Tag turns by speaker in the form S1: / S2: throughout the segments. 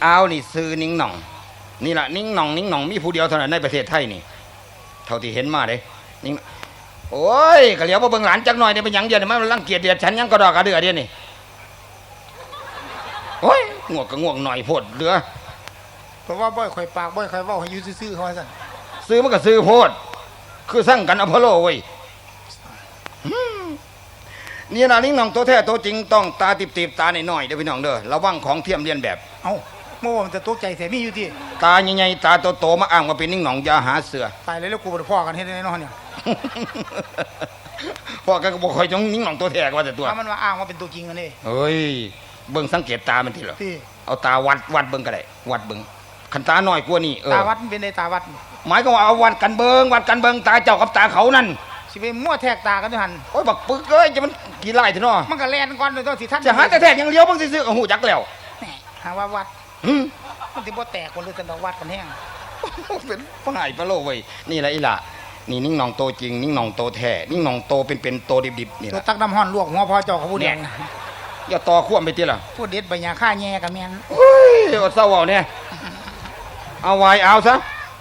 S1: เอานี่ซื้อนิ่งหน่องนี่แหละนิ่งหน่องมีผู้เดียวเท่านั้นในประเทศไทยนี่เท่าที่เห็นมาเลยนิ่งโอ้ยกะเหลียวมาเบิ่งหลานจักหน่อยเนี่ยเป็นหยังเดียวเนี่ยมันรังเกียจเดียดฉันยังกระดอกกระเดือเดียวนี่โอ้ยง่วงก็ง่วงหน่อยโพดเดือ
S2: เพราะว่าบ่อยข่อยปากบ่อยข่อยเว้าให้อยู่ซื่อๆเขาว่าซั่น
S1: ซื้อมันก็ซื้อโพดคือสั่งกันอพอลโลเว้ยนี่นะนิ่งหน่องตัวแท้ตัวจริงต้องตาติบตาหน่อยๆเด้อพี่น้องเด้อระวังของเทียมเลียนแบบ
S2: เอ้าเมื่อวานมันจะตกใจแท้มีอยู่ที่
S1: ตาใหญ่ๆตาโตๆมาอ้างว่าเป็นนิ่งหน่องอย่าหาเสือ
S2: ตายแล้วกูบ่ได้พ้อกันเฮ็ดได้เนาะเนี่ย
S1: พ่อก็บอกคอยจงนิ่งหน่องตัวแท้ก็ว่าแต่ตัว
S2: ถ้ามันว่าอ้างว่าเป็นตัวจริงกันนี่
S1: เฮ้ยเบิ่งสังเกตตามันทีเหรอเอาตาวัดเบิ่งก็ได้วัดเบิ่งขันตาน้อยกว่านี่
S2: ตาวัดเป็นในตาวัด
S1: หมายก็ว่าเอาวัดกันเบิ่งตาเจ้ากับตาเขานั่น
S2: สิไปมั่วแทกตากันด้วยหัน
S1: โอ้ยบักปึกเอ้ยจะมันกี่ไล่เถอะเนาะ
S2: มันก็แล่นก่อนเลยต้องสิท่าน
S1: จะหาแต่แท้ยังเลี้ยวเบิ่งซื่อๆก็หูจักแล้ว
S2: หาว่าวัดมันสิบ่แตกคนเลยแต่ดอกวัดกันแห้ง
S1: เป็นฝ่ายปะโลเว้ยนี่แหละอีหล่ะนี่นิ่งหน่องโตจริงนิ่งหน่องโตแท้นิ่งหน่องโตเป็นโตดิบๆนี่
S2: แหละตักน้ำห้อนลวกหัวพอเจ้ากับผู้แดง
S1: อย่าต่อควมไปติล่ะ
S2: ผู้เด็ดใบหญ้าฆ่าแย่กับแม่น
S1: เฮ้ยเอาเศร้าเอาเนี่ยเอาไว้เอาซะ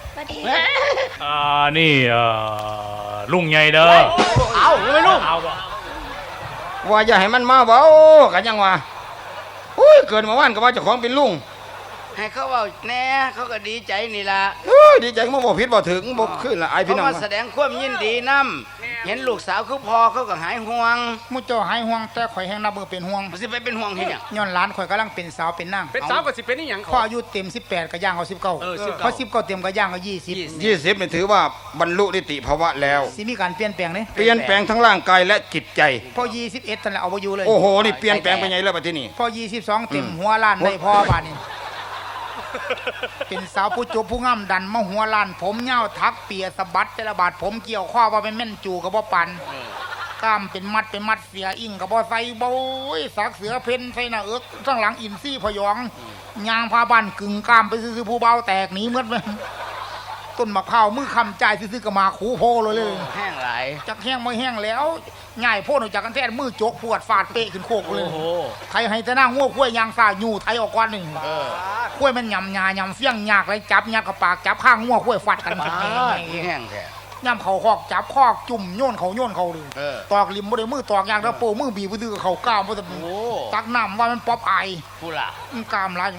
S3: นี่ลุงใหญ่เด้อ
S1: เอาไม่ลุงเอาว่าอย่าให้มันมาเว้ากันยังวะอุ้ยเกิดมาว่านก็ว่าเจ้าของเป็นลุง
S4: ให้เขาว่าแน่เขาก็ดีใจนี่ล่ะ
S1: ดีใจมาบอกผิดบอกถึงบอกขึ้นละไอพี่น้อง
S4: มาแสดงความยินดีนำเห็นลูกสาวคือพ่อเขาก็หายห่วง
S2: มุเจ้าหายห่วงแต่ข่อยแห้งนับมือเป็นห่วง
S4: สิไปเป็นห่วงเฮ็ดหยัง
S2: ย้อนหลานข่อยกำลังเป็นสาวเป็นนาง
S3: เป็นสาวก็สิเป็นอีหยัง
S2: พ่ออายุเต็ม18ก็ย่างเอา19พอ19เต็มก็ย่างเอา20
S1: นี่ถือว่าบรรลุนิติภาวะแล้ว
S2: สิมีการเปลี่ยนแปลงนี่
S1: เปลี่ยนแปลงทั้งร่างกายและจิตใจ
S2: พอ21นั่นแหละเอาบ่อยู่เลย
S1: โอ้โหนี่เปลี่ยนแปลงไปไงแล้วบัดนี้
S2: พอ22เต็มหัวล้านได้พ่อบาดนี้เป็นสาวผู้จบผู้งามดันมาหัวล้านผมเหี่ยวทักเปียสะบัดแต่ละบาดผมเกี่ยวข้อว่าเป็นแม่นจูกับบ่ปันกล้ามเป็นมัดเสียอิ่งกับบ่ใส่บ่ยสักเสือเพ่นใส่หน้าเอิกข้างหลังอินซี่พยองยางพาบ้านกึ่งกล้ามไปซื้อผู้เบาแตกหนีหมดเลยต้นมะพร้าวมือคำใจซื้อๆก็มาคูโพเลย
S4: แห้งหลาย
S2: จักแห้งไม่แห้งแล้วง่ายโพ่นออกจากกันแท้มือจกปวดฟาดเปะขึ้นโคกเลยไทยให้จะนั่งง้วคุ้ยยางสาอยู่ไทยออกก้อนหนึ่งคุ้ยมันยำยำเฟี้ยงยากเลยจับยัดกับปากจับข้างง้วคุ้ยฟัดกัน
S4: แห้งแท้
S2: ย่ำเขาคอกจับคอกจุ่มโยนเขาเลยตอกริมบ่ได้มือตอกยางแล้วโป้มือบีบมือเขาก้าวบ่ได้ตักน้ำว่ามันป๊อปไอ
S4: ผู้ล่ะ
S2: กามไร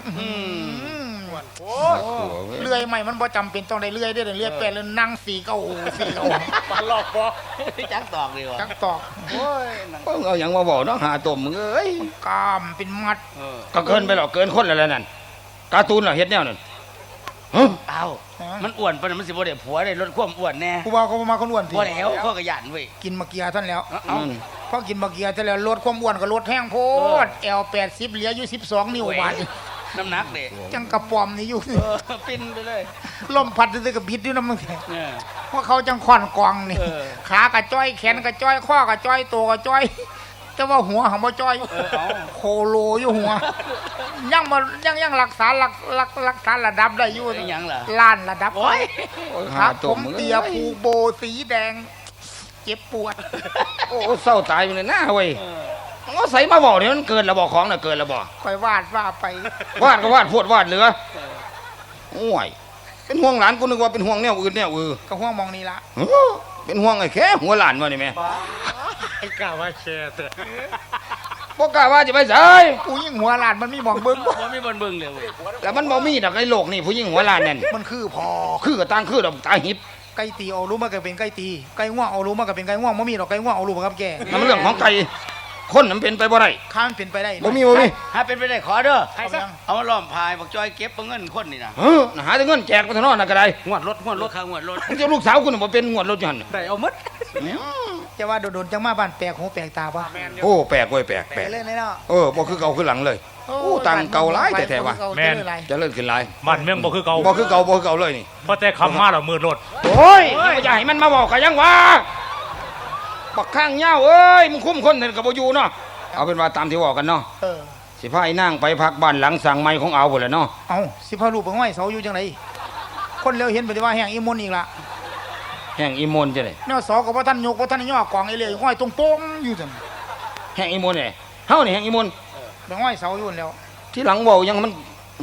S2: เลื่อยใหม่มันบ่จำเป็นต้องได้เลื่อยได้เลื่อยแปลแล้วนั่งสีเก้า
S4: ปลาหลอกบ่จักตอกดีวะ
S2: จักตอก
S1: โอ้ยเอาอย่างมาบอกเนาะหาตุ่มมึงเอ้ย
S2: กามเป็นมัด
S1: ก็เกินไปหรอกเกินคนแล้วนั่นการ์ตูนเหรอเฮ็ดแนวนั่น
S4: เอ้ามันอ้วนปะมันสิบ่ได้ผัวได้ลดความอ้วนแน่
S2: ผู้บ่าวเขามาคนอ้วน
S4: ทีบ่แล้วเขาก็ยันเว้ย
S2: กินมะเกียท่านแล้วพอกินมะเกียท่านแล้วลดความอ้วนก็ลดแห้งโพดL80เหลืออยู่12นิ้วบาด
S4: น้ำหนักเด้
S2: จังกระป๋อมนี่อยู่
S4: ปิ้นไปเลย
S2: ลมพัดซื่อๆกับบิดอยู่นำมึงเพราะเขาจังค่อนกองนี่ขากระจ้อยแขนกระจ้อยข้อกระจ้อยตัวกระจ้อยแต่ว่าหัวของบ่จ้อยโคโลอยู่หัวยังรักษาระดับได้อยู่
S4: ยังล่ะ
S2: ล้านระดับโอ้ยครับผมเตียผูโบสีแดงเจ็บปวด
S1: โอ้เศร้าตายอยู่เลยนะเว้ยก็ใส่มาบอกเนี่ยมันเกินระบอกของน่ะเกินระบอก
S2: ค่อยวาดว่าไป
S1: วาดก็วาดพูดวาดเหลือโอ้ยเป็นห่วงหลานกูนึกว่าเป็นห่วงแนวอื่นแนว
S2: ก็ห่วงมองนี่ละ
S1: เป็นห่วงไอ้แค่หัวหลานวะนี่แม่
S3: ไอ้กล้าว่าแค่เถอะ
S1: พวกกล้าว่าจะไปใส่
S2: ผู้หญิงหัวหลานมันมีมองเบิ้ง
S4: มันมีบนเบิ้งเลยเว้ย
S1: แต่มันบ่มีดอกในโลกนี่ผู้หญิงหัวหลานนั่น
S2: มันคือพอ
S1: คือกับตั้งคือดอกตาหิบ
S2: ไก่ตีเอารู้มาก็เป็นไก่ตีไก่ง่วงเอารู้มาก็เป็นไก่ง่วงไม่มีดอกไก่ง่วงเอารู้มากับแก
S1: มันเรื่องของไก่คนมันเป็นไปบ่ได้
S2: ข้ามันเป็นไปได้
S1: บ่มี
S4: ถ้าเป็นไปได้ขอเด้อเอามาล้อมพายบอกจอยเก็บเงินคนนี่นะ
S1: หาแต่เงินแจกไปทางนอกน่ะก็ได้
S4: งวดรถข้างงวดรถ
S1: เจ้าลูกสาวคุณบ่เป็นงวดรถอยู่หั่น
S4: ได้เอาหมด
S2: จะว่าโดนจังมาบ้านแปลกหูแปลกตาป่ะ
S1: โอ้แปลกเว้ยแปลก
S2: เลยเนาะ
S1: บ่คือเก่าคือหลังเลยโอ้ตังเก่าหลายแท้ๆว่ะ
S3: แม่น
S1: จะเลิกขึ้นหลาย
S3: บ้านเมืองบ่คือเก่า
S1: เลยนี่
S3: พอแต่คำมาแล้วมืดรถ
S1: โอ้ยอย่าให้มันมาบอกก็ยังว่าบักข้างเหย้าเอ้ยมึงคุ้มคนก็บ่อยู่เนาะเอาเป็นว่าตามที่บอกกันเนาะสิพาไอ้นางไปพักบ้านหลังสั่งไม้ของเอาพุ่นแหละเนาะ
S2: เอาสิพาลูกไปห้อยเสาอยู่จังไดคนเร็วเห็นปฏิว่าแห่งอีมนอีกละ
S1: แห่งอีมนจังได๋
S2: แนวสอก็บ่ทันยกบ่ทันย่อกองไอ้เลยห้อยตรงโป้งอยู่จัง
S1: แห่งอีมนนี่เฮานี่แห่งอีมน
S2: ไปห้อยเสาอยู่แล้ว
S1: ที่หลังเว้ายังมัน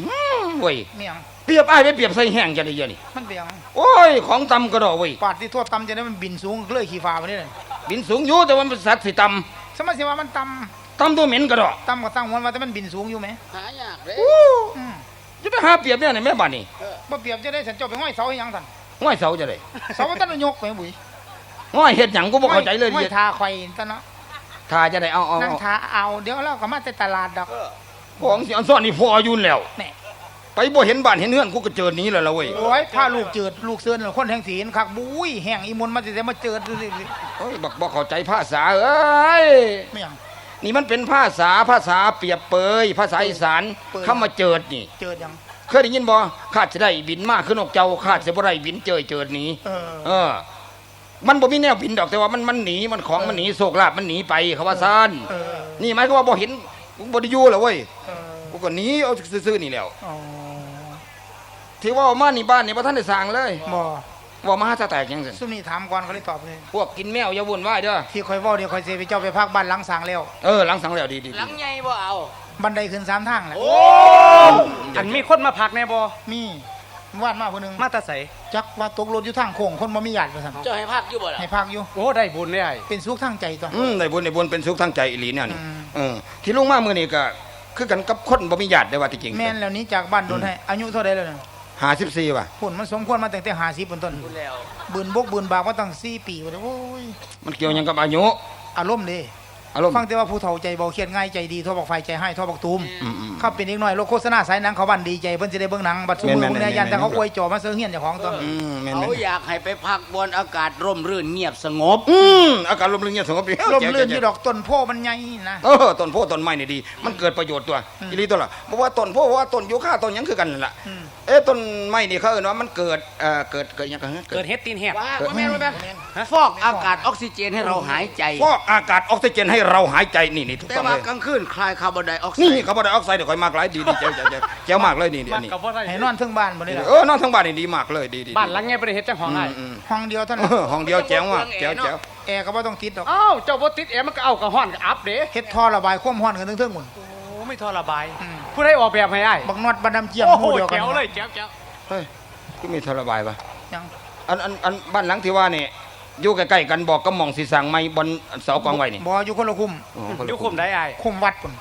S1: เว้ย
S2: เมียง
S1: เปรียบอ้ายไปเปรียบใส่แห้งจะได้เยอะนี่
S2: มันเปียง
S1: โอ้ยของตำกระดอกเว้ย
S2: ปาดที่ทั่วตำจะได้มันบินสูงเลยขี่ฟ้าไปนี่เลย
S1: บินสูงอยู่แต่ว่ามันสัตว์สิต
S2: สมัยสิว่ามันต
S1: ำตำตัวเหม็นกระดอก
S2: ำตำก็ตั้งหัวว่าแต่มันบินสูงอยู่ไหม
S4: หายากเลย
S2: อืม
S1: จะไปหาเปรียบเนี่ยในแม่บ้านนี่
S2: บ่เปรียบจะได้ฉันเจ้าไปห้อยเสาให้หยังสั่น
S1: ง่อยเสาจะได้
S2: เสาตั้งยกไปบุ๋ย
S1: ง่อยเฮ็ดหยังกูบ่เข้าใจเลย
S2: ห้อ
S1: ดิ
S2: ยทาไข่ซะเนาะ
S1: ทาจะได้เอา
S2: นั่งทาเอาเดี๋ยวเราก็มาแต่ตลาดดอก
S1: ของสิอันซ่อนนี่พออยู่แล้ว
S2: แหน่
S1: ไปบ่เห็นบ้านเห็นเฮือนกูก็เจอหนี้แล้วล่ะเว้ย
S2: โอ้ยพาลูกเจิดลูกเสือนคนแห่งศีลคักบุ้ยแห่งอีมนต์มาสิได้มาเจิดดูสิ
S1: โอ้ยบักบ่เข้าใจภาษาเอ้ย
S2: ไม่หยัง
S1: นี่มันเป็นภาษาเปรียบเปยภาษาอีสาน
S2: เปย
S1: คำว่าเจิดนี่
S2: เจิดหยัง
S1: เคยได้ยินบ่ข้าจะได้บินมากขึ้นนกเจ้าข้าจะบ่ได้บินเจิดหนี เออ มันบ่มีแนวบินดอกแต่ว่ามันหนีมันของมันหนีโศกลาบมันหนีไปเขาว่าซ่าน
S2: เออ
S1: นี่หมายความว่าบ่เห็นกูบ่ได้อยู่แล้วเว้ย
S2: เออ
S1: กูก็หนีเอาซื่อๆนี่แหล้ว
S2: อ๋อ
S1: ที่ว่ามานี่บ้านนี่บ่ทันได้สร้างเลย
S2: บ่
S1: ว่ามาหาตาแตกจังซั่น
S2: ซุมนี้ถามก่อนเขาเลยตอบเลย
S1: พวกกินแมวอย่าวุ่นวายเด้อ
S2: ที่คอยเว้าเดี๋ยวคอยสิไปเจ้าไปพักบ้านหลังสร้างแล้ว
S1: หลังสังแล้วดีๆ
S4: หลังใหญ่บ่เอา
S2: บันไดขึ้น3ทางแหละ
S3: อันมีคนมาพักแน่บ่
S2: มีวาดมาผู้หนึง
S3: มาแตาใส
S2: จักว่าตกรถอยู่ทางโค้งคนบ่มีญาติว่าซั่น
S4: เจ้าให้พักอยู่บ่ล่ะ
S2: ให้พักอยู่
S3: โอ้ได้บุญได้ไอ้
S2: เป็นสุขทางใจตัว
S1: ได้บุญเป็นสุขทางใจอีหลีเนี่ยนี่
S2: อืม
S1: ที่ลุงมามื้อนี้ก็คือกันกับคนบ่มีญาติได้ว่าที่จริง
S2: แม่นแล้วนี้จากบ้านโดนให้อายุเท่าใดแล้วเนี่ย
S1: 54ว่ะ
S2: พุ่นมันสมควรมาตั้งแต่50เป็นต้น
S4: พูดแล้ว
S2: บืนบกบืนบากมาตั้ง4ปีว่าโอ้ย
S1: มันเกี่ยวหยังกับอายุ
S2: อารมณ์เด้
S1: อารมณ์
S2: ฟังแต่ว่าผู้เฒ่าใจเบาเครียดง่ายใจดีโทรบอกไฟใจให้โทรบอกตูม
S1: อืม
S2: เขาเป็นอีกหน่อยโลกโฆษณาสายหนังเขาบันดีใจเพิ่นสิได้เบิ่งหนังบัดซุมื้อ
S1: แม่นๆ
S2: เนี่ยยันแต่เขา
S1: แม่นๆ
S2: อวยจอมาเสื้อเฮียนเจ้าของตัว
S1: แม่น
S4: เขาอยากให้ไปพักบนอากาศร่มรื่นเงียบสงบ
S1: อากาศลมเย็นสงบดี
S2: ลมลื่นอยู่ดอกต้นโพมันใหญ่นะ
S1: ต้นโพต้นไม้นี่ดี มันเกิดประโยชน์ตัวอีหลีตัวละเพราะว่าต้นโพเพราะว่าต้นยูคาต้นหยังคือกันนั่นล่ะ
S2: อืม
S1: ต้นไม้นี่เขาเอิ้นว่ามันเกิดเกิดหยังกัน
S3: เกิดเฮ็ดตีนแหบ
S4: ว่าแม่นว่าแม่นฟอกอากาศออกซิเจนให้เราหายใจ
S1: ฟอกอากาศออกซิเจนให้เราหายใจนี่ถูก
S4: แต่
S1: ต้อง
S4: ว่า
S1: เลย
S4: กลางคืนคลายคาร์บอนไดออกไซ
S1: นี่
S4: ด์
S1: คาร์บอนไดออกไซด์เดี๋ยวค่อยมากหลายดีเจ๋วมากเลยนี่
S3: มั
S1: อั
S3: น
S1: นนี้
S3: ก็บ่ได้
S2: ให้นอนเทึงบ้านบ่ได้ล่ะ
S1: นอนทั้งบ้านนี่ดีมากเลยดี
S3: บ้านหลังไงบ่ได้เฮ็ดจังห้องไอ้
S2: ห้องเดียวเท่านั้น
S1: ห้องเดียวแจ๋วมากแจ๋ว
S2: แอร์ก็บ่ต้องติดดอก
S3: อ้าวเจ้าบ่ติดแอร์มันก็เอากับฮ้อนกับอัพเด้
S2: เฮ็ดท่อระบายความร้อนกันเทิงๆหมด
S3: โอ้ไม่ทอระบาย
S2: อืม
S3: ผู้ใดออกแบบให้ไอ้
S2: บักนอดบัดดำเจียม
S3: โอ้
S2: ห
S3: โห
S2: มู่เดียวกัน
S3: แจ๋วเลยแจ๋ว
S1: เฮ้ยก็มีทรบายปะ
S2: ยัง
S1: อันบ้านหลังที่ว่านี่อยู่ใกล้ๆกันบอกก็มองสีสั่งไม้บนเสากองไว้นี่
S2: บ่อยู่คนละคุม
S3: อยู่คุมได้ไอ้
S2: คุมวัดพุ่น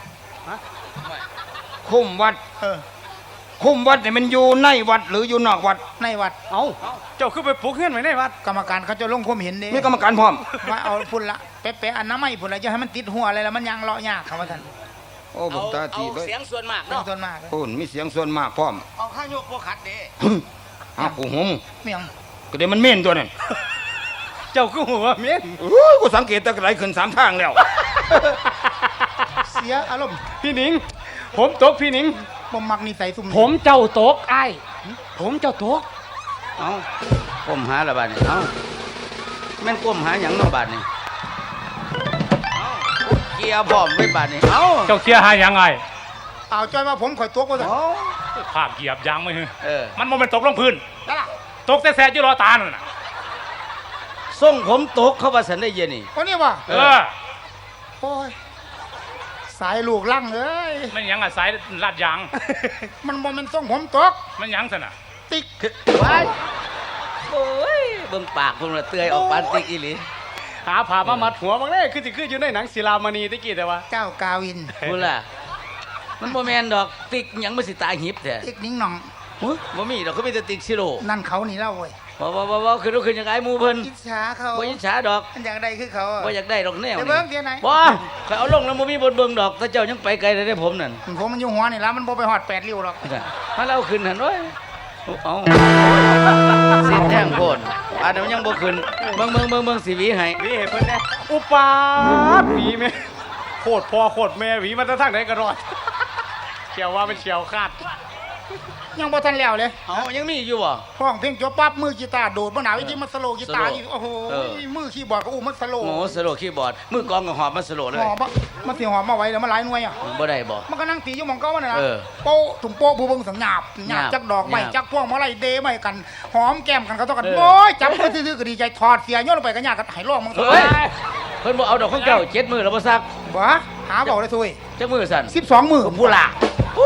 S1: คุ้มวัด
S2: เออ
S1: คุ้มวัดเนี่ยมันอยู่ในวัดหรืออยู่นอกวัด
S2: ในวัด
S3: เอ้าเจ้าคือไปปลูกเฮือนไว้ในวัด
S2: กรรมการเขาจะลงความเห็นเด้
S1: มีกรรมการพร้อม
S2: ว่าเอาพุ่นละแปะๆอันน้ำไม้พุ่นละจะให้มันติดหัวอะไรแล้วมันยังเลาะยากเขาว่าท่าน
S1: โอ้ผมตาที
S4: เอา
S1: เลย
S4: เสียงส่วนมาก
S2: เรื่อง
S4: เนาะ
S2: ส่วนมากเลย
S1: โอ้มีเสียงส่วนมากพร้อม
S4: เอาข้างยกบ่ขัดเด้
S1: อ้าวกูหม
S2: เมียง
S1: ก็เดี๋ยวมันเม่นตัวนั่น
S3: เจ้าคือหัวเมียน
S1: โอ้ยกูสังเกตแตะไหลขึ้น3ทางแล้ว
S2: เสียอารมณ์
S3: พี่หนิง ผมตกพี่หนิง
S2: บ่มักนิสัยซุ่มนี้
S3: ผมเจ้าตกไอ้ผมเจ้าตก
S4: เอาก้มหาละบาดนี่เอาแม่นก้มหาหยังเนาะบาดนี่เอาเกียร์พร้อมไว้บาดนี่เอา
S3: เจ้าเคลียร์หายังไง
S2: เอาจ้อยมาผมข่อยตัวก็ได้
S4: เอา
S3: ภาพเหยียบยางไม่ฮึ
S4: เออ
S3: มันบ่แม่นตกลงพื้น
S2: นั่นล่ะ
S3: ตกแต่แซ่อยู่รอตานั่นน่ะ
S4: ส่งผมตกเข้าว่าสันได้เย็นนี่
S2: คนนี้ว่ะ
S3: เออ
S2: โอ้ยสายลูกลั่งเอ้ย
S3: มันหยังอ่ะสายลาดยาง
S2: มันบ่แม่นส่งผมตก
S3: มันหยังซั่นน่ะ
S2: ติ๊ก
S4: ไว้โอ้ยเบิ่งปากเพิ่นละเตื้อยออกปานติกอีหลี
S3: หาผ้ามามัดหัวบางเด้คือสิคืออยู่ในหนังศิลามณีตะกี้แต่ว่า
S2: เจ้ากาวิน
S4: พูดล่ะมันบ่แม่นดอกติกหยังมันสิตายหิบแท้
S2: ติ๊กนิ้งหน่อง
S4: อุ๊ยบ่มีดอกเขามีแต่ติกซิโร่
S2: นั่นเขานี่เล่าเว้ย
S4: บ่ขึ้นลุกขึ้นจังไงหมู่เพิ่น
S2: อิจฉาเขา
S4: บ่อิจฉาดอก
S2: อันอย่างใดคือเขาอะ
S4: บ่อยากได้ดอกแนว
S2: เดี๋ยว
S4: นี่
S2: เบิ่งเดี๋ยวไหน
S4: บ่ข่อยเอาลงแล้วบ่มีบนเบิ่งดอกถ้าเจ้ายังไปไกลได้ผมนั่น
S2: ผมมันอยู่หัวนี่แล้วมันบ่ไปหอด8ริ้วหรอก
S4: ถ้าเราขึ้นหั่นโอ้ยเอาสิแท่งโพดอันนั้นมันยังบ่ขึ้นเบิ่งสิหวีให้
S3: หวีให้เพิ่นแน่อุปาทหวีแม่โคตรพ่อโคตรแม่หวีมันจะทางไหนก็รอดเขียวว่าเป็นเขียวคาด
S2: ยังบ่ทันแล้วเลย
S4: เอายังมีอยู่บ่
S2: ห้องเพลงจบปั๊บมือกีตาร์โดดมาหนาวิธีมันสโลว์กีตาร์
S4: สโลว์
S2: อีกโอ้โห
S4: เออ
S2: มือคีย์บอร์ดก็อู้มันสโลว์
S4: โอ้สโลว์คีย์บอร์ดมือกลองก็หอบมาสโลว์เลย
S2: หอมอะมันสิหอมมาไว้แล้วมันหลายหน่วยอ่ะ
S4: บ่ได้บ่
S2: มันก็นั่งตีอยู่หมองเก้ามันน่ะนะ
S4: เออ
S2: โป๊ะถุงโป๊ะผู้เบิ่งสังหยาบหยาบ
S4: หยาบ
S2: จักดอกไม้
S4: หยาบ
S2: จักพวงมาลัยเดไม้กัน หอมแก้มกันเขาต้องกัน
S4: เออ
S2: โอ้ยจับไปซื่อๆก็ดีใจถอดเสียโยนลงไปกันยากกันให้ร้องมึง
S4: เฮ้ยเพิ่นบ่เอาดอกของเจ้า7มื้อแล้วบ่ซัก
S2: บ่หาบอกเลยทุย
S4: จักมื้อสั่น
S2: 12 มื้อ
S4: ผู้ล่ะอู้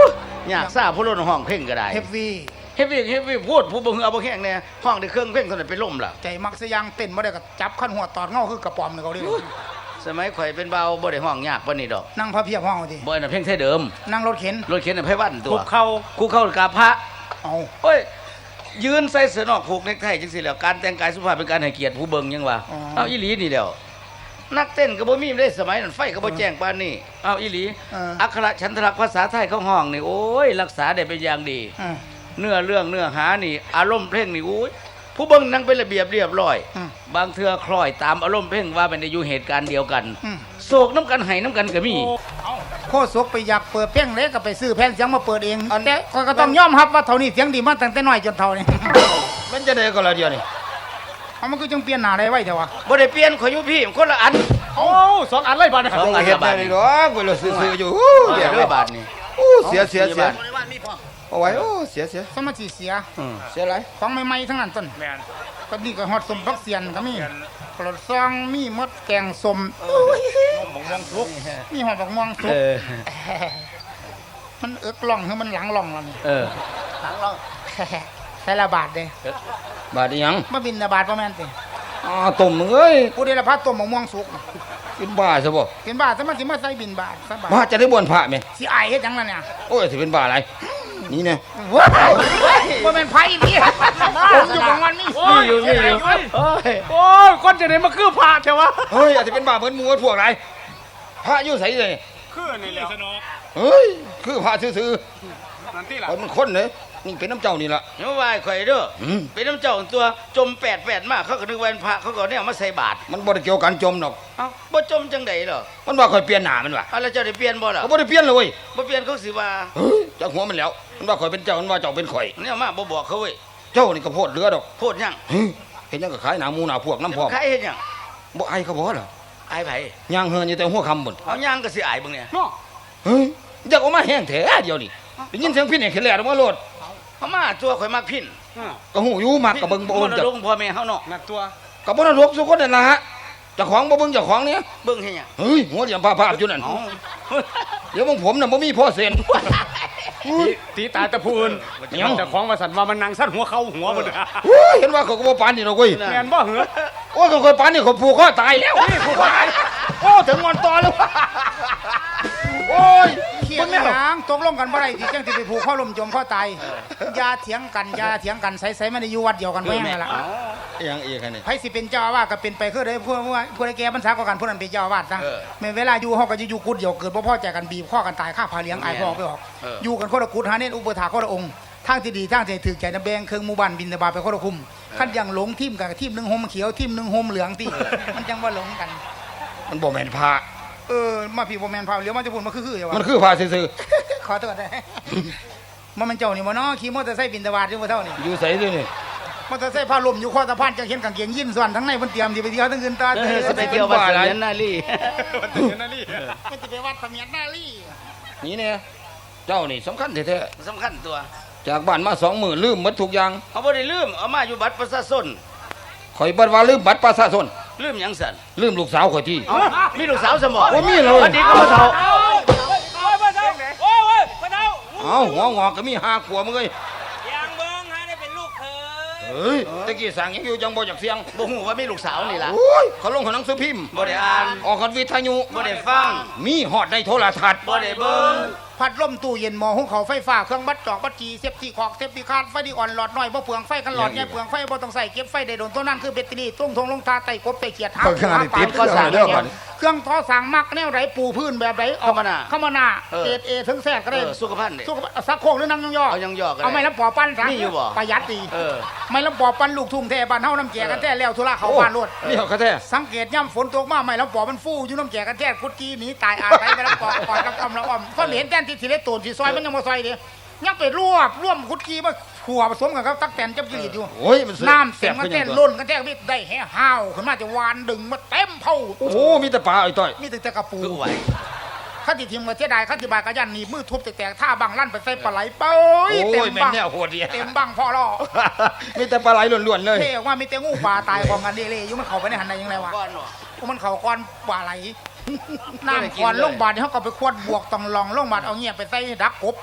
S4: อยากทราบผู้ล้นห้องเพ่งก็ได้
S2: เฮฟวี่
S4: เฮฟวี่พูดผู้บ่เอาบ่แข็งแน่ห้องได้เครื่องเพ่งเท่านั้นไปล่มล่ะ
S2: ใจมักสยางเต้นบ่ได้ก็จับขั้นหัวตอดเงาคือกระป๋อมนี่เขาเรียก
S4: สมัยข่อยเป็นเบาบ่ได้ห้องยากปานนี้ดอก
S2: นั่งพระเพียบห้องเอาดิ
S4: บ่อันนั้นเพ่งไทยเดิม
S2: นั่งรถเข็น
S4: รถเข็นน่ะไผวันตัว
S3: คุกเข่า
S4: คู่เข้ากับพระ
S2: เอา
S4: โอ้ยยืนใส่เสื้อนอกผูกเนคไทจังซี่แหล้วการแต่งกายสุภาพเป็นการให้เกียรติผู้เบิ่งยังว่าเอาอีหลีนี่แหล้วนักเต้นก็บ่มีได้สมัยนั้นไฟก็บ่แจ้งปานนี้เอาอีหลีอักขระฉันทลักษณ์ภาษาไทยเขาห้องนี่โอ้ยรักษาได้เป็นอย่างดี เนื้อเรื่องเนื้อหานี่อารมณ์เพลงนี่โอ้ยผู้เบิ่งนั่งเป็นระเบียบเรียบร้อย บางเทื่อคล้อยตามอารมณ์เพลงว่าเป็นได้อยู่เหตุการณ์เดียวกันโศกน้ำกันไห้น้ำกันก็มี
S2: โคศกไปอยากเปิดเพลงเล็กก็ไปซื้อแผ่นเสียงมาเปิดเองแต่ก็ต้องยอมรับว่าเท่านี้เสียงดีมาตั้งแต่น้อยจนเท่านี้
S1: มันจะได้ก็ละเดียวนี่
S2: เอามันก็จังเปลี่ยนหน้าได้ไว้เถอะวะ
S4: บ่ได้เปลี่ยนข่อยอยู่พี่คนละอัน
S3: โอ้สองอันเลยบาดเนี่ย
S4: สองอัน
S1: เฮ็ด
S4: บา
S1: ได้
S4: ท
S1: นี่
S4: นี่
S1: ดอกเวลาซื้อๆอยู่
S4: เดี๋ยวด้วยบาทนี่
S1: เสียเอาไว้เสีย
S2: สมาธิเสีย
S1: เสียอะไร
S2: ของใหม่ๆทั้งนั้นต้น
S3: แม่น
S2: ก็นี่ก็ฮอดสมพักเสียนก็มีกระซองมีมดแกงสม
S3: มองทุก
S2: มีหอมบักม่วงสุก มันเอิกล่องคือมันหลังล่องแล้วนี่ หลังล่อง ใส่ละบาทเด้
S1: บาดอีหยัง
S2: มาบินละบาทประมาณติ
S1: ต้มมึงเอ้ย
S2: ผู้ได้ละพัดต้มบักม่วงสุก
S1: กินบ้าซะบ่
S2: เป็นบาทสมันสิมาใส่บินบาทซะบาท
S1: บ้าจะได้บ่นพระแม่
S2: สิอายเฮ็ดหยังล่ะเนี่ย
S1: โอ้ยสิเป็นบ้าอะไรนี่แน่
S2: ว้าวบ่แม่นไผนี่ผมอยู่ของมันนี่
S3: นี่อยู่โอ้ยก้อนจะไหนมาคือพระใช่วะ
S1: เฮ้ยอาจจะเป็นบ้าเหมือนหมู่พวกไรพระอยู่ไสเลย
S3: คือนี่แหละสนอ
S1: เฮ้ยคือพระซื่อ
S3: นั่นที่
S1: ๆ
S3: ล่ะ
S1: คนมันคนเลยนี่เป็นน้ำเจ้านี่ล่ะ
S4: อย่ามาว่าข่อยเด้อ
S1: อืม
S4: เป็นน้ำเจ้าตัวจมแปดมากเขาก็นึกว่าเป็นพระเขาก็เนี่ยเอามาใส่บาตร
S1: มันบ่ได้เกี่ยวกันจมดอก
S4: เอ้าบ่จมจังได๋หรอ
S1: มันว่าข่อยเปลี่ยนหน้ามันว่ะ
S4: เอาแล้วเจ้าได้เปลี่ยนบ่ล่ะ
S1: เขาบ่ได้เปลี่ยนเลยเว้ย
S4: บ่เปลี่ยนเขาสิว่า
S1: เฮ้ยจากหัวมันแล้ว มันว่าข่อยเป็นเจ้ามันว่าเจ้าเป็นข่อย
S4: เนี่ยมาบ่บอกเขาเว้ย
S1: เจ้านี่ก็โพดเรือดอก
S4: โพดหยัง
S1: เฮ้ยเห็นยังก็ขายหนาหมูหนาพวกน้ำพร้อม
S4: ใครเฮ็ดหยัง
S1: บ่ไอเขาบ่เหรอ
S4: อายไผ
S1: ย่างเฮือนอยู่แต่หัวคำบุญ
S4: เอาย่างก็สิอายเบิ่งเนี่ย
S3: เนาะ
S1: เฮ้ยอยากออกมาแห้งแท้เดียวนี่ได้ยินเสียงพี่เนี่ยขึ้นแล้วออกมาโลด
S4: เอามาตัวข่อยมักพิน
S1: ก็หูอยู่มากกับเบิ่งบ่โอน
S4: มร
S1: จ้ะ
S4: ดกพ่อแม่เฮาเนาะ
S3: นั่นตัว
S1: กับบ่นรกสุคนนั่นล่ะฮะเจ้าของบ่เบิ่งเจ้าของเนี่ย
S4: เบิ่งเฮ็ดหยัง
S1: เฮ้ยหัวเหลี่ยมภาพๆอยู่นั่น
S4: เอ้า
S1: เดี๋ยวมึงผมน่ะบ่มีพ่อเซ็น
S3: ตีตาแต่ผู้อื่น
S1: เดี๋ยว
S3: เจ้าของมาสั่นว่ามันนางสั้นหัวเขาหัวมัน
S1: โอ้ยเห็นว่าเขาก็บ่ปานนี่ดอกเว้ย
S3: แม่นบ่เหรอ
S1: โอ้ยเขาเคยปานนี่เขาผูกคอตายแล้วผูกคอตายโอ้ถึงงอนตอแล้วโอ้ย
S2: เขียงหยังตกลงกันบ่ได้ที่จังสิไปผูกข้อลมจมข้อตายอย่าเถียงกันอย่าเถียงกันใส่ๆมันได้อยู่วัดเดียวกันแม่งนั่นล่ะ
S1: ยังอีกอันนี้
S2: ไผสิเป็นเจ้าอาวาสก็เป็นไปคือได้ผู้ใดแก่บรรษาก็กันผู้นั้นเป็นเจ้าอาวาสซะแม่นเวลาอยู่เฮาก็จะอยู่กุดเดียวเกิดบ่พอใจกันบีบข้อกันตายฆ่าพาเลี้ยงอายพ่อไปออกอยู่กันคนละกุดหาเน้นอุปถาคนละองค์ทางที่ดีทางที่ถูกใจนะแบ่งเครื่องหมู่บ้านบินตบาตไปคนละคุมคันยังหลงทีมกันทีมหนึงห่มเขียวทีมหนึงห่มเหลืองติมันจังว่าหลงกัน
S1: มันบ่แม่นพระ
S2: มาพี่บ่แม่นพาเลี้ยวมาจะพูดมาคือๆอย่าว่า
S1: มันคือพระซื่อ
S2: ขอโทษได้มันเป็นเจ้านี่บ่เนาะขี่มอเตอร์ไซค์บินตบาตอยู่บ่เท่านี่
S1: ๆอยู่ไสด้วยนี่
S2: มอเตอร์ไซค์พาลมอยู่ข้อสะพานจังเห็นกางเกงยีนส่วนทั้งในเพิ่นเตรียมสิไปเที่ยวทั้งคืนตา
S4: สิไปเที่ยววัดเสมียนนาลี
S3: นั่นนี่
S2: มันสิไปวัดเสมียนนาลี
S1: นี่เนี่ยเจ้านี่สำคัญแท้
S4: สำคัญตัว
S1: ๆจากบ้านมา2มื้อลืมหมดทุกอย่าง
S4: เอาบ่ได้ลืมเอามาอยู่บัตรประชาชน
S1: ข่อยบ่ว่าลืมบัตรประชาชน
S4: ลืมหยังสั่น
S1: ลืมลูกสาวข่อยที่
S4: เอ้ามีลูกสาวสมอ
S1: โอ้มีเลย
S4: วันนี้ก็บ่เฒ่า
S1: เอ้าหัวงอกก็มี5ขวบมึงเอ้ย
S5: ยังเบิ้งให้ได้เป็นลูกเคย
S1: เฮ้ยตะกี้สั่งยังอยู่จังบ่อยากเสียง
S4: บ่ฮู้ว่ามีลูกสาวนี่ล่ะ
S1: โอ้ยเขาลงหนังสือพิมพ์
S4: บ่ได้อ่าน
S1: ออกกันวิทยุ
S4: บ่ได้ฟัง
S1: มีฮอดในโทรทัศน์
S4: บ่ได้เบิ่ง
S2: พัดลมตู้เย็นหม้อหุงข้าวไฟฟ้าเครื่องบัดจอกบัดจีเซฟตี้ขอกเซฟตี้คาร์ดไฟดีอ่อนหลอดน้อยบ่เปลืองไฟกันหลอดใหญ่เปลืองไฟบ่ต้องใส่เก็บไฟได้โดนตัวนั้นคือแบตเตอรี่ตุ้งทงลงทาไต่กบไต่เขียดหา
S1: เปิดขนาดนี้ติด
S2: ก็สั่ง
S1: เด้อก่อน
S2: เครื่องทอสั่งมักแนวไหนปูพื้นแบบไหนเข้ามาหน้าเอถึงแทรกก็ได้
S4: สุขภาพนี่
S2: สุขสักโคกหรือนั่งย่อ
S4: เอาย่อๆก็ได้
S2: เอาไม้ลำปอปั้นซะ
S4: มีอยู่บ่
S2: ประหยัดดี
S4: อ
S2: ไม้ลำปอปั้นลูกทุ่งแท้บ้านเฮาน้ำแจกันแท้แล้วธุระเขาบ้านรถ
S1: นี่เขาแท้
S2: สังเกตย่ำฝนตกมาไม่แล้วปอมันฟูอยู่น้ำแจกันแท้กุดกี้หนีตายอาศัยไปแล้วปอกอดกับอมแล้วอมเพราะเห็นแต้นที่สิเล็ตูนสิซอยมันยังมาซอยเดียยังไปร่วมกุดกี้มาขัวผสมกันครับตักแตนจับกิริตอยู่
S1: โอ้ยมัน
S2: น้ำเสียงกัน
S1: ขึ้
S2: แท้
S1: ยัง
S2: ล้นกันแท้มิได้แห่ห้าวขึ้นมาจะวานดึงมาเต็มเผา
S1: โอ้โหมีแต่ปลาไอ้ต้อย
S2: มีแต่กระปู
S4: คือไหว
S2: ข้าติทีมมาเสียดายข้าติบายกระยันหนีมือทุบแตกท่าบังลั่นไปใส่ปลาไหลเป้ย
S1: โอ้
S2: เต็ม
S1: ยแม่น
S2: บัง
S1: แนวโหดดี
S2: เต็มบังพ่อล่อ
S1: มีแต่ปลาไหลล้วนๆเลย
S2: เท่ว่ามีแต่งูปลาตายของกันเล่ๆอยู่มันเข้าไปในหันใดยังไงวะ
S4: ก้อนบ่
S2: มันเขาก้อนปลาไหล น้ำก้อนลงบาดนี่เขาก็ไปควดบวกต้องลองลงบาดเอาเงียบไปใส่ดักกบ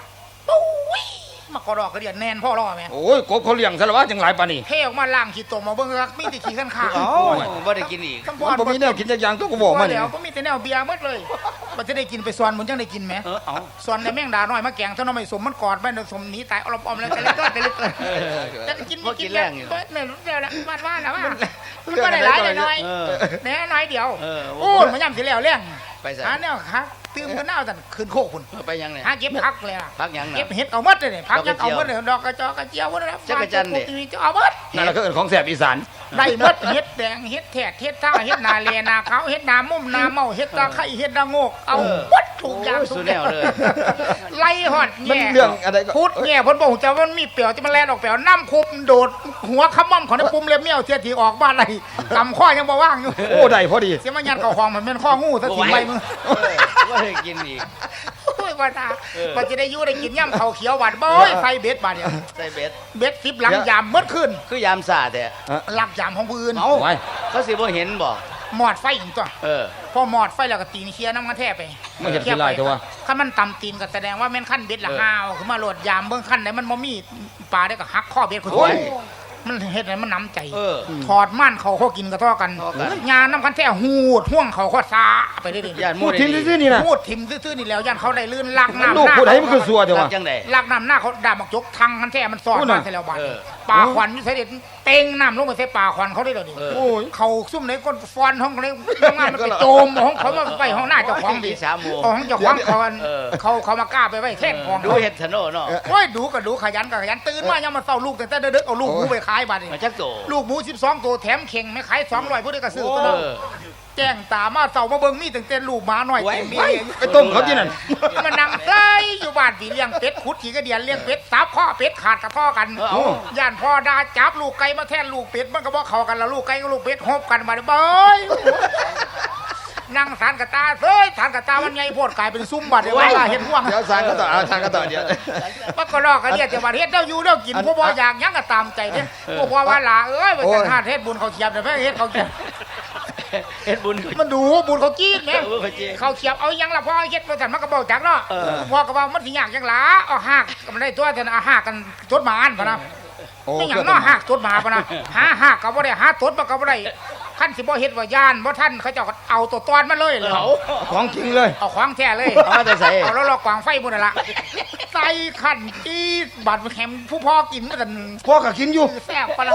S2: ปุ้ยมากระดอกกระเดียดแน่นพ่อรอแม่
S1: โอ้ยกบเขาเลี้ยงซะแล้วว่าจังหลายปานนี้
S2: เทออกมาล่างขี้ตมมาเบิ่งรักมีแต่ขี้ขันขา
S4: เอ้าบ่ได้กินอีก
S2: คำพ
S1: มันบ่มีแนวกินจักอย่างตัวก็บอกมานี่
S2: แล้วก็มีแต่แนวเบียร์หมดเลยมันจะได้กินไปสวนมันจังได้กินไหม
S4: เอา
S2: สวนในแม่งดาน้อยมาแกงเท่าน้อยสมมันกอดแม่นสมหนีตายออมๆแล้วแต่เล็กแต่เล็กจะกิน
S4: บ่กินแรงอยู่
S2: เนี่ยรู้แล้วว่าแล้วว่ามันก็ได้หลายได้น้อย
S4: เออ
S2: แน่น้อยเดียว
S4: เออ
S2: โอ้ยมันย่ำสิแล้วเลี้ยง
S4: ไปใส่
S2: หาแนวครับตื่มกันหน้าสั่นคืนโคกคุณ
S4: ไปยังเนี่ย
S2: หาเก็บพักเลยอ่ะ
S4: พักยังน่ะ
S2: เก็บเห็ดเอาหมดเลยเนี่ยพักยังเอาหมดเลยดอกกระจอกกระเจียวหมดเลย
S4: จักรจันทร์เนี่ย
S2: จะเอาหมด
S1: นั่นแหละก็เอิ้นของแสบอีสาน
S2: ได้หมดเห็ดแดงเห็ดแถดเห็ดท่าเห็ดนาเลนาเขาเห็ดนามุ่มนาเมาเห็ดตาไข่เห็ดนาโงกเอาหมดถูกอย่าง
S4: โอ้ย
S2: ทุ
S4: สุ
S2: ก
S4: ด
S2: อ
S4: แน
S2: ย่าง
S4: วเลย
S2: ไล่หอด
S1: มัน
S2: แง่
S1: เรื่องอะไรก็
S2: พูดแง่เพ้นบอกจะว่ามันมีเปลียวที่มันแล่นออกเปลียวน้ำคุมโดดหัวขมั่มของในปุ่มเล็บเมี่ยวเทียทีออกบ้านอะไรกำข้อยังบ่ว่างอยู่
S1: โอ้ได้พอดี
S2: เสียมันยันเข่าคลองมันเป็นข้องูซะทีไปมึง
S4: บ่ได้กินอีก
S2: โอ้ยว่าตา
S4: เออ
S2: มันจะได้อยู่ได้กินย่ำเขาเขียวหวานบ่อยไฟเบ็ดบาดเนี่ย
S4: ใส่เบ็ด
S2: เบ็ด10หลังยามเมื่อคืน
S4: คือยามสาแต่
S2: หลักยามของผู้อื่น
S4: เอ้า
S1: ไว้
S4: เขาสิบ่เห็นบ่
S2: หมอดไฟอีกตัว
S4: เออ
S2: พอหมอดไฟแล้วก็ตีนเคลียร์น้ำกันแทบไป
S1: ไม่เห็นที่ไรแต่ว่า
S2: ขั้นมันต่ำตีนก็แสดงว่าแม่นขั้นเบ็ดละ
S4: เออ
S2: ห้าวคือมาโหลดยามเบื้องขั้นไหนมันบ่มีปลาได้ก็หักข้อเบ็ดคุณ
S1: โอ้ย
S2: มันเฮ็ดให้มันน้ำใจ
S4: เออ
S2: ถอดม่านเขากินกระท่อกัน
S4: ท่อกัน
S2: ยาน้ำกันแท้หูดห่วงเขาข้อซาไปเรื่อย
S4: ญาติห
S1: พู
S4: มู่
S1: ด
S4: ได้
S1: ทิ้ง
S4: ดี
S1: ซื่อๆนี่นะ
S2: พูดทิมซื่อๆนี่แล้วยันเขาได้ลื่นลากน้ำ
S1: ลูก
S2: หน้า
S1: พูดให้มันคือสัวเดี๋ยว
S4: รั
S1: วะ
S4: กจังได๋
S2: ลากน้ำหน้าเขาด่ามักยกทังกันแท้มันสอด
S1: พูด
S2: มา
S1: น่ะ
S2: ใส่แล้วบาด
S4: เออ
S2: ปลาขวัญอยู่ใส่เด็ดเต็งน้ำลงไปใส่ปลาขวัญเขาได้เลยดิ
S4: เออ
S1: โอ้ย
S2: เขาซุ่มในก้นฟอนห้องเลยงานมันไปโจมห้องเขามาไปห้องหน้าเจ้าของดิ
S4: สามโมง
S2: เอาห้องเจ้าของเขาอัน
S4: เออ
S2: เขามากล้าไปไว้แท่นของ
S4: ดู
S2: เขา
S4: เฮ็ดถนนเนาะ
S2: โอ้ยดูก็ดูขยันก็ขยันตื่นมายังมาเฝ้าลูกแต่เด็กๆเอาลูกหมูไปขายบาดนี่
S4: มาจักโต
S2: ลูกหมู12ตัวแถมเข่งไม่ขาย200ผู้ใดก็ซื้อตัว
S4: เอ
S2: นั้น
S4: อ
S2: แจ้งตามาเต่ามาเบิ่งมีตั้งแต่ลูกหมาน้อย
S4: ไว้
S2: เต็มมี
S4: ไว้
S1: ไปต้มเขาที่นั่น
S2: มันนั่งใส่อยู่บ้านพี่เลี้ยงเป็ดขุดขี่กระเดียนเลี้ยงเป็ดสับข้อเป็ดขาดกระท่อกัน
S4: เอา
S2: ย่านพ่อดาจับลูกไก่มาแทนลูกเป็ดมันก็บ่เข้ากันแล้วลูกไก่กับลูกเป็ดฮบกันมาเด้อเบ้ยนั่งสารกระตาเฮ้ยสารกระตามันไงโพดกลายเป็นซุ้มบัดเดี๋ยวว่าเห็นห่วง
S1: เดี๋ยวสารก็ต่อเอาสารก็ต่อเดี๋ยว
S2: มันก็ลอกกันเรียกแต่ว่าเฮ็ดเจ้าอยู่เจ้ากินผู้บ่อยากหยังก็ตามใจเด้ผู้บ่ว่าล่ะเอ้ยว่าจังหาเฮ็ดบุญเขาเขียบเด้อเฮ็ดเขาเขียบ
S4: เฮ็ดบุญ
S2: มันดูบุญเขาจีนแหม
S4: เออเขาจีน
S2: เขาเขียบเอาหยังล่ะพ่อเฮ็ดบ่ทันมันก็บอกจักเนาะ
S4: เออ
S2: พ่อก็ว่ามันสิยากจังหลาเอาหากก็มันได้ตัวแต่เอาหากกันจดหมานพะนะ
S1: โอ้
S2: ไม่หยังเนาะหากจดหมาพะนะหาหากก็บ่ได้หาตดมันก็บ่ได้คันสิบ่เฮ็ดว่าย่านบ่ทันเขาเจ้าก็เอาตัวตอนมาเลยเหรอ
S1: ของจริงเลย
S2: เอาของแท้เลย
S4: เอามาแต่ใส่
S2: เอาแล้วลอกกวางไฟหมดนั่นล่ะใส่ขันจี้บัดแข็มผู้พ่อกินกัน
S1: พ่อก็กินอยู่
S2: แซ่บปะละ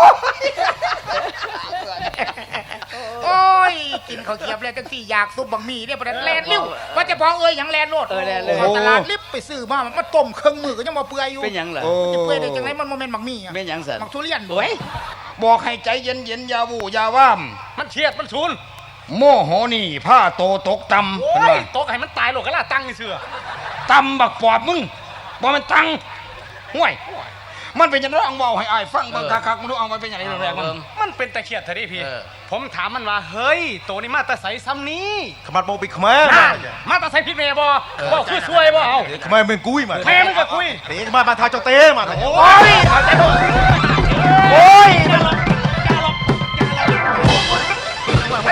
S2: โอ้ยกินข้าวเกรียบแล้วจังสี่อยากซุปบักหมี่เนี่ยประเด็นแลนลิ้วว่าจะพอเอ้ยหยังแลนโลด
S4: เออแล่นเลย
S2: ข้าตลาดลิบไปซื้อมาต้มเครื่องมือก็ยังมาเปื่อยอยู่
S4: เป็นหยังล่ะ
S1: โอ้
S2: จะเปื่อยได้จังไรมันโมเมนต์บักหมี่อะ
S4: เป็นหยังสั่น
S2: บักทุเรียน
S4: โอ้ย
S1: บอกให้ใจเย็นๆอย่าวู่อย่าว่าม
S3: มันเฉียดมันชุน
S1: โมโหนี่ผ้าโตตกต่ำ
S3: โอ้
S1: เห็น
S3: ย
S1: ว่า
S3: ตกให้มันตายโลกกะล่าตั้งนี่เสือ
S1: ต่ำบักปอบมึงบ่มันตังห่วย มันเป็นจังได๋เอาเว้าให้อ้ายฟังเบิ่งคักๆมึงดูเอามันเป็นจังได๋แรกๆมัน
S3: มันเป็นตะเขียดเถอะดิพี่
S4: เออ
S3: ผมถามมันว่าเฮ้ยตัวนี้มาแตะใสซ้ำนี้
S6: ขมัดโมบิขมา
S3: นั่นมาแตะใสพิษเมย์บ่บ่คือช่วยบ่เอา
S6: ขมาเป็นกุ้ยมา
S3: แม่มึงก็คุย
S6: เตะมาทาเจ้าเต้มา
S3: โอ้ยเอาใจบ่โอ้ยอย่าหลบอย่าหลบไป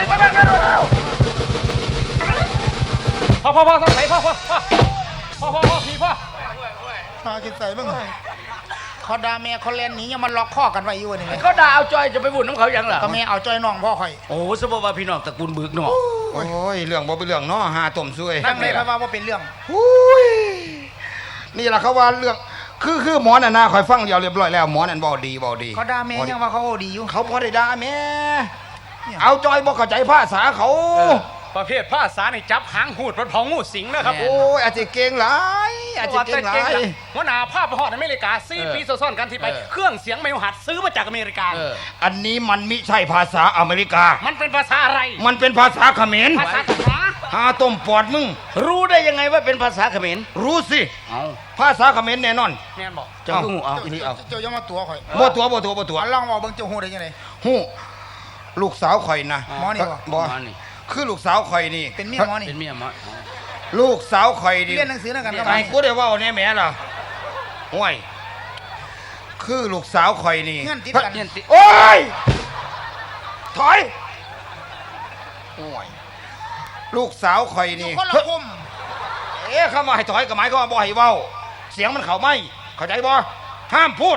S3: พ่อต้องใส่พ่อพี่พ่อ
S2: พากินใส่บ้างเขาด่าแม่เขาเล่นหนี้ยังมันล็อกข้อกันไว้อยู่นี่ไง
S4: เขาด่าเอาจอยจะไปบุญน้ำเขาหยังล่ะ
S2: ก็แม่เอาจ้อยน้องพ่อข่อย
S4: โอ้สมมุติว่าพี่น้องตระกูลบึกเนาะ
S1: โอ้ยเรื่องบ่เป็นเรื่องเนาะหาต้มซวย
S2: ตั้งเลยครับว่าเป็นเรื่อง
S1: อุ้ยนี่ล่ะเขาว่าเรื่องคือหมอน่ะนะคอยฟังเดียวเรียบร้อยแล้วหมอนั่นเว้าดี
S2: เขาด่าแม่ยังว่าเขาดีอยู่
S1: เขาบ่ได้ด่าแม่เอาจอยบ่เข้าใจภาษาเขา
S3: ประเภทภาษานี่จับหางหูดมันเผางูสิงนะครับ
S1: โอ้ยอาจจะเก่งหลายอาจจะเก่งหลาย
S3: หัวหน้าภาพไปฮอดอเมริกา4 ปีซ้อนๆกันที่ไป เครื่องเสียงไม่หัดซื้อมาจากอเมริกา
S4: เออ
S1: อันนี้มันมิใช่ภาษาอเมริกา
S3: มันเป็นภาษาอะไร
S1: มันเป็นภาษาเขมร
S3: ภาษาภาษา
S1: หาต้มปอดมึง
S4: รู้ได้ยังไงว่าเป็นภาษาเขมร
S1: รู้สิ
S4: เอา
S1: ภาษาเขมรแน่นอน
S3: แม่นบอก
S4: เจ้าคือหูเอา
S1: อีหลีเอา
S2: เจ้าอย่ามาตัวข่อย
S1: บ่ตัว
S2: ลองบอกเบิ่งเจ้าฮู้ได้ยังไง
S1: ฮู้ลูกสาวข่อยนะ
S2: หมอนี่บ่
S1: บ่
S4: มานี่
S1: คือลูกสาวข่อยนี่
S2: เป็นเมียหมอนี่
S4: เป็นเมียหมอ
S1: ลูกสาวข่อยนี่
S2: เรียนหนังสือนั่นกันก็
S1: ไอ้กูได้เว้าแน่แหม่ล่ะห่วยคือลูกสาวข่อยนี่
S2: เงื่อนติดกัน
S4: เงี้ยติ
S1: โอ้ยถอยห่วยลูกสาวข่อย
S2: อยู่
S1: นี่
S2: คนละกลุ่ม
S1: เอ๊ะเข้ามาให้ถอยกับหมายก็มาบ่ให้เว้าเสียงมันเข้าไม่เข้าใจบ่ห้ามพูด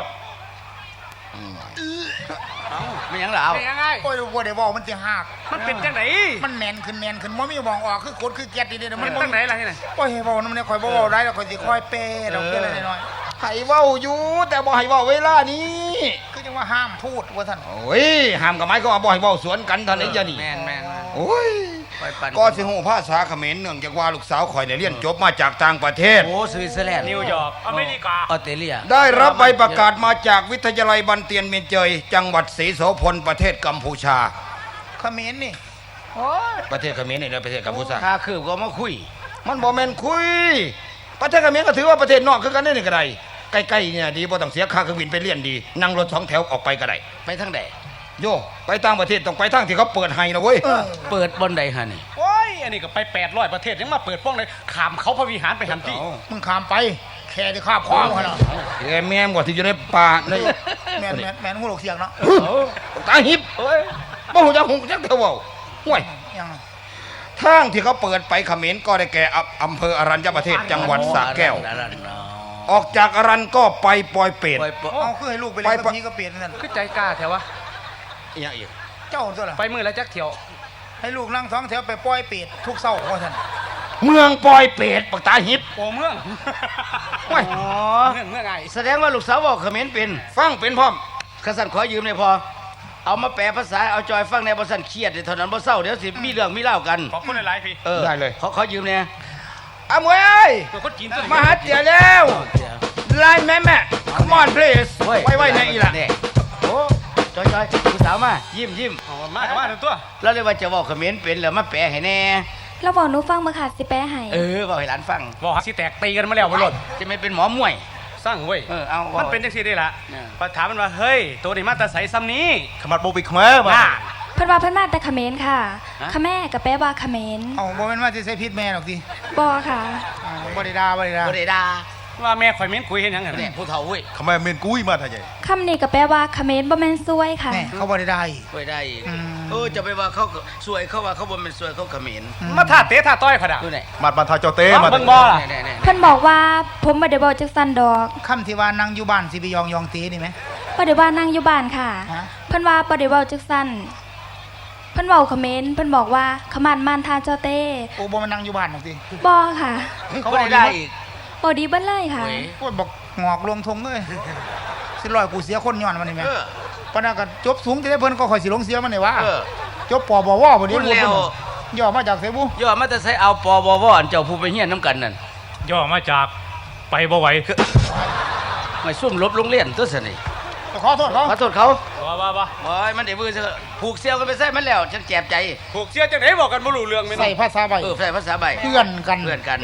S4: ไม่หยังล่ะเอา
S3: เป็นยังไง
S2: โอ้ยบ่ได้บอกมันสิหัก
S3: มันเป็นจังไหน
S2: มันแน่นขึ้นบ่มีมองออกคือกดคือแก๊สนี่ๆ
S3: มั
S2: มัน น
S3: จังไหนล่ะที่ไหน
S2: โอ้ยเว้านำเนี่ยข่อยบ่เว้าได้แล้วข่อยสิค่อยเปดอกเบี้ยน้อย
S1: ให้เว้าอยู่แต่บ่ให้เว้าเวลานี้
S2: ๆคือจังว่าห้ามพูดว่าท่าน
S1: โอ้ยห้ามกับไม้ก็บ่ให้เว้าสวนกันเท่านนี้จะนี่
S4: แม่น
S1: โอ้ย
S4: ไปปั่น
S1: ก็สิฮู้ภาษาเขมรเนื่องจากว่าลูกสาวข่อยเนี่ยเรียนจบมาจากต่างประเทศ
S4: โอ้สวิตเซอร์แลนด์
S3: นิวยอร์กอเมริกา
S4: ออสเตรเลีย
S1: ได้รับใบประกาศมาจากวิทยาลัยบันเตียนเมียนเจย จังหวัดศรีโสพลประเทศกัมพูชา
S2: เขมรนี่โอ้ย
S1: ประเทศเขมรนี่นะประเทศกัมพูชา
S4: ค่าคืบก็มาคุย
S1: มันบ่แม่นคุย ประเทศเขมรก็ถือว่าประเทศนอกคือกันได้นี่ก็ได้ใกล้ๆเนี่ยดีบ่ต้องเสียค่าเครื่องบินไปเรียนดี นั่งรถ2 แถวออกไปก็ได้
S4: ไปทางใด
S1: โยไปต่างประเทศต้องไปทางที่เขาเปิดให้นะเว้ย
S4: เปิดบนใดฮะนี่
S3: โอ้ย อันนี้ก็ไป800ประเทศยังมาเปิดป้องเลยขามเขาพระวิหารไปหันที่
S2: มึงข้ามไปแค่ที่ข้ามคว้างหั่นน่ะ
S1: แม่มกว่าที่อยู่ในป่าใน
S2: แม่นหูหลกเสียงเนาะ
S1: ตาหิบบ่ฮู้จักฮู้จักเท่าเว้าห่วย
S2: ยัง
S1: ทางที่เขาเปิดไปเขมรก็ได้แก่อำเภออรัญญประเทศจังหวัดสระแก้ว
S4: อรัญญ
S1: ออกจากอรัญก็ไปปอยเปรต
S4: ปล่อย
S2: เอาคือให้ลูกไปเล่นกับพี่ก็เปลี่ยนนั่น
S3: คือใจกล้าแถววะ
S1: อีหยังอีก
S2: เจ้าตัวล่ะ
S3: ไปมือแล้วจักเที่ยว
S2: ให้ลูกนั่งท้องแถวไปปล่อยเป็ดทุกเช้าว่าท่าน
S1: เมืองปอยเปรตปักตาหิบ
S3: โอ้เมือง
S1: โอ้ย
S4: อ๋อ
S3: เมืองไง
S4: แสดงว่าลูกสาวบอกเขมรเป็น
S1: ฟังเป็นพร้อม
S4: ขสันขอยืมเลยพอ เอามาแปลภาษาเอาจอยฟังในบ่สันเครียดเดี๋ยวเท่านั้นบ่เศร้าเดี๋ยวสิมีเรื่องมีเล่ากัน
S3: ขอบคุณหลายๆพี่
S1: ได้เลย
S4: ขอยืมเนี่ย
S1: อะมวยเอ้ย
S3: ตัวคนจีนตัวนี้
S1: มาหาเตี๋ยแล้วไล่แม่ come on please ไว้ในอีหละ
S4: เนี่ยโอ้จอยลูกสาวมายิ้ม
S3: เอามาเอามาเดี๋ยวตัว
S4: แล้วเลยว่าจะบอกเขมรเป็นแล้วมาแปลให้แน่
S7: เราบอกหนูฟังมาค่ะสิแปะให้
S4: บอกให้หลานฟัง
S3: บอกสิแตกตีกันมาแล้วบนรถ
S4: จะไม่เป็นหมอมวย
S3: สร้างเว้ย
S4: เอา
S3: มันเป็นจังซี่ได้ละ
S4: เนี่ย
S3: พอถามมันว่าเฮ้ยตัวนี้มาแต่ใสซ้ำนี้
S6: ขมัดโบไปขมามา
S3: น่า
S7: เพิ่นว่าเพิ่นมาแต่เขมรค่ะขะแม่กับแปะว่าเขมร
S2: เอาบ่แม่นว่าสิใส่พิษแม่หรอกดิ
S7: บอค่ะ
S2: บ่ได้ด่าบ่ได้ด่า
S4: บ่ได้ด่า
S3: ว่าแม่ข่อยเม้นคุยเห็นยังไง
S4: เนี่ยผู้เฒ่าเว้ย
S6: ขมาเมนกุ้ยมาท่าใหญ่
S7: คำนี้กับแปะว่าเขมรบ่แม่นซวยค่ะ
S2: แน่เขาบ่ได้ด่าอีก
S4: บ่ได้อีก
S2: อืม
S4: จะไปว่าเขาสวยเขาว่าเขาบ่เป็นสวยเขาเขมร
S3: มาท่าเตะท่าต้อยเขาด่า
S4: ดูไหน
S6: มัดมาทาเจ้าเต้มา
S3: เบิ่งบ่ล่ะ
S4: เนี่ย
S7: เพิ่นบอกว่าผมบ่ได้บอกจักสันดอก
S2: คำที่ว่านั่งอยู่บ้านสิไปยองตีนี่ไหม
S7: บ่ได้ว่านั่งอยู่บ้านค่ะ
S2: ฮะ
S7: เพิ่นว่าบ่ได้เว้าจักสันเพิ่นเว้าเขมรเพิ่นบอกว่าขมานมานทาเจ้าเต้
S2: โอ้บ่มานั่งอยู่บ้านหรอกดิ
S7: บอค่ะ
S4: เขาบ่ได้อีก
S7: บ่ดีเบิ่เลยค่ะ
S4: เว้ย
S2: โอ้ยบอกงอกลงทงเลยสิร้อยกูเสียคนย้อนมันนี่แม่
S4: เออ
S2: ปานนั้นก็จบสูงจะได้เพิ่นก็ค่อยสิลงเสียมันนี่วะ
S4: เออ
S2: จบปบวบ่ได้
S4: พูดแล้ว
S2: ย่อมาจากไสบุ
S4: ย่อมาแต่ใส่เอาปบวอันเจ้าผู้ไปเฮียนน้ำกันนั่น
S3: ย่อมาจากไปบ่ไหว
S4: ไม่ซุ่มลบโรงเรียนตัวสนิ
S2: ขอโทษเขา
S4: ขอโทษเขา
S3: ว่า
S4: โอ้ยมันได้มือซะผูกเสี่ยวกันไปใส่มันแล้วฉันแจบใจ
S3: ผูกเสียจังไหนบอกกันบ่รู้เรื่องแม่น
S2: ใส่ภาษาใบ
S4: ใส่ภาษาใบ
S2: เพื่อนกัน
S4: เพื่อนกัน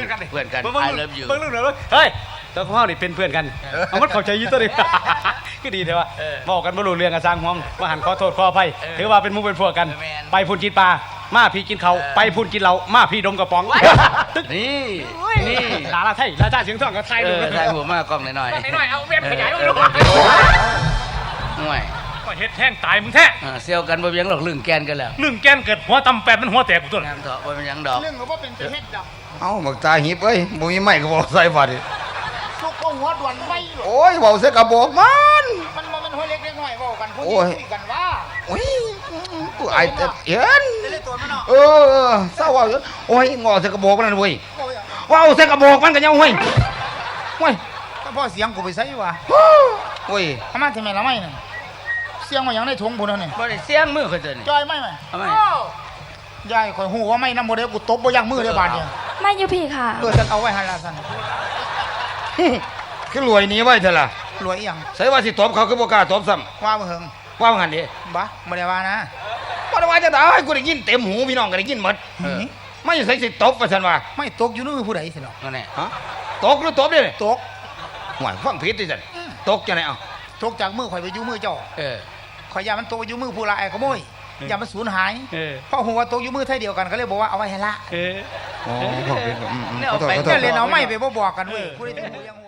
S4: I love you
S3: เบิ่งเรื่องเด้อเฮ้ยตัวของเฮานี่เป็นเพื่อนกันเอามันเข้าใจอยู่ตัวนี้ ก็ดีแท้ว่าบอกกันบ่รู้เรื่องกันสร้างห่วงว่าหันขอโทษขออภัยถือว่าเป็นหมู่เป็นพวกกัน ไปพุ่นกินปลามาพี่กินเขาไปพุ่นกินเหล้ามาพี่ดมกระป๋อง
S4: นี่
S3: นี่ลาลาไทยลาจ้าเสียงทองก็ไทยดู
S4: ใส่หัวมากล้องหน่อย
S3: หน่อยเอาเว็บขยายมาดู
S4: ห่วย
S3: ก็เฮ็ดแห้งตายมึงแท้
S4: เซี่ยวกันบ่เบียงหรอกลึงแกนกันแล้ว
S3: นึ่งแกนเกิดหัวตำแปดมันหัวแตกกูตัว
S4: งามเถาะบ่เป็นหยังดอก
S2: เรื่องก็บ่เป็นจะเฮ็ดดอก
S1: เอ้าบักตาหิบเอ้ยบ่มีไม้ก็บ่ใส่บาดนี่
S2: ทุกคนหัวด่วนไม่หรอก
S1: โอ้ยเว้าใส่กระบอกมัน
S2: มันบ่แม่นหัวเล็กเล็กน้อยเว้ากันผู้
S1: โอ้
S2: นี้
S1: ย
S2: คุยกันว่า
S1: โอ้ยกูอายแต่เห็น
S2: ได้เลยตัวมันเนาะ
S1: เออเศร้าเว่าอยู่โอ้ยงอใส่กระบอกมันนั่นเว้ย
S2: โอ้ย
S1: เว้าใส่กระบอกมันก็ยังเว้ยเว้ย
S2: ก็พอเสียงกูไปใส่ว่า
S1: เว้ย
S2: ทำไมทำไมละไม่น่ะเสียงว่าหยังในถุงพุ่นนั่นนี่
S4: บ่ได้เสียงมือคนตัวนี้
S2: จอยไม่ไหม
S4: ทำไม
S2: ยายข่อยฮู้ว่าไม่นำบ่ได้กูตบบ่ยั้งมือเด้อบาดเนี่ย
S7: ไม่อยู่พี่ค่ะ
S2: ฉันเอาไว้หั่นล่ะซั่น
S1: คือรวยหนี้ไว้เถอะล่ะ
S2: รวยอีหยัง
S1: ใส่ว่าสิตบเขาคือบ่กล้าตบซ้ำ
S2: ว่าบ่เฮิง
S1: ว่างั้นดิ
S2: บ่บ่ได้ว่านะ
S1: บ่ได้ว่าจะได้กูได้ยินเต็มหูพี่น้องก็ได้ยินหมด
S2: นี่
S1: ไม่ใส่สิตบว่าซั่นว่า
S2: ไม่ตกอยู่ในมือผู้ใดสิเนาะ
S4: นั่นแหละ
S1: ฮะตกหรือตบเด้นี่
S2: ตก
S1: ห่วยฟังผิดดิซั่นตกจังได๋เอ้า
S2: ตกจากมือข่อยไปอยู่มือเจ้า
S4: เออ
S2: ข่อยอย่ามันตกไปอยู่มือผู้ลายขโมยอย่ามันสูญหาย
S3: เออ
S2: เพราะฮู้ว่าตกอยู่มือไทยเดียวกันก็เลยบอกว่าเอาไว้ให้ละ
S3: เออ
S1: อ๋อฟังผิดขอโทษขอโท
S2: แค่
S1: ษ
S2: เล่นเอาไม่ไปบ่บอกกันเว้ยผู้ใดถึงหูยัง